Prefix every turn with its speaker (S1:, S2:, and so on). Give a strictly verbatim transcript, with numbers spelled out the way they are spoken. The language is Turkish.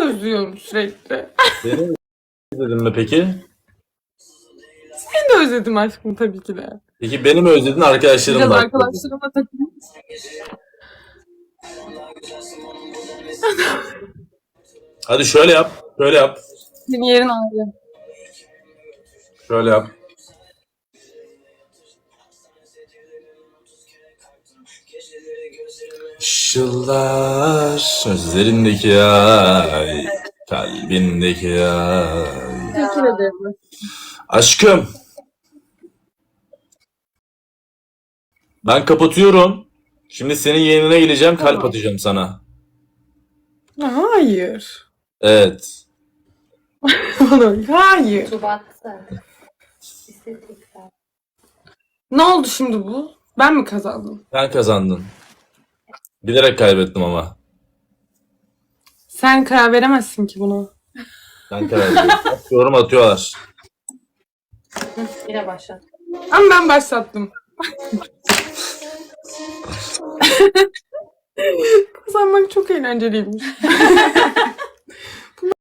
S1: özlüyorum sürekli.
S2: Beni özledin mi peki?
S1: Seni de özledim aşkım tabii ki de.
S2: Peki beni mi özledin, arkadaşlarım
S1: Biraz
S2: da?
S1: arkadaşlarımla takılayım.
S2: Hadi şöyle yap. Şöyle yap.
S1: Senin yerin ayrı.
S2: Şöyle yap. Işıllar gözlerindeki ay, kalbindeki ay.
S1: Teşekkür ederim.
S2: Aşkım, ben kapatıyorum. Şimdi senin yayınına geleceğim, kalp
S1: Tamam.
S2: atacağım sana.
S1: Hayır.
S2: Evet.
S1: Hayır.
S3: Şubat'ta. İstatistikler.
S1: Ne oldu şimdi bu? Ben mi kazandım?
S2: Sen kazandın. Bilerek kaybettim ama.
S1: Sen karar veremezsin ki buna.
S2: Ben karar verdim. Yorum atıyorlar.
S3: Yine başlat.
S1: Ama ben başlattım. Kazanmak çok eğlenceliymiş.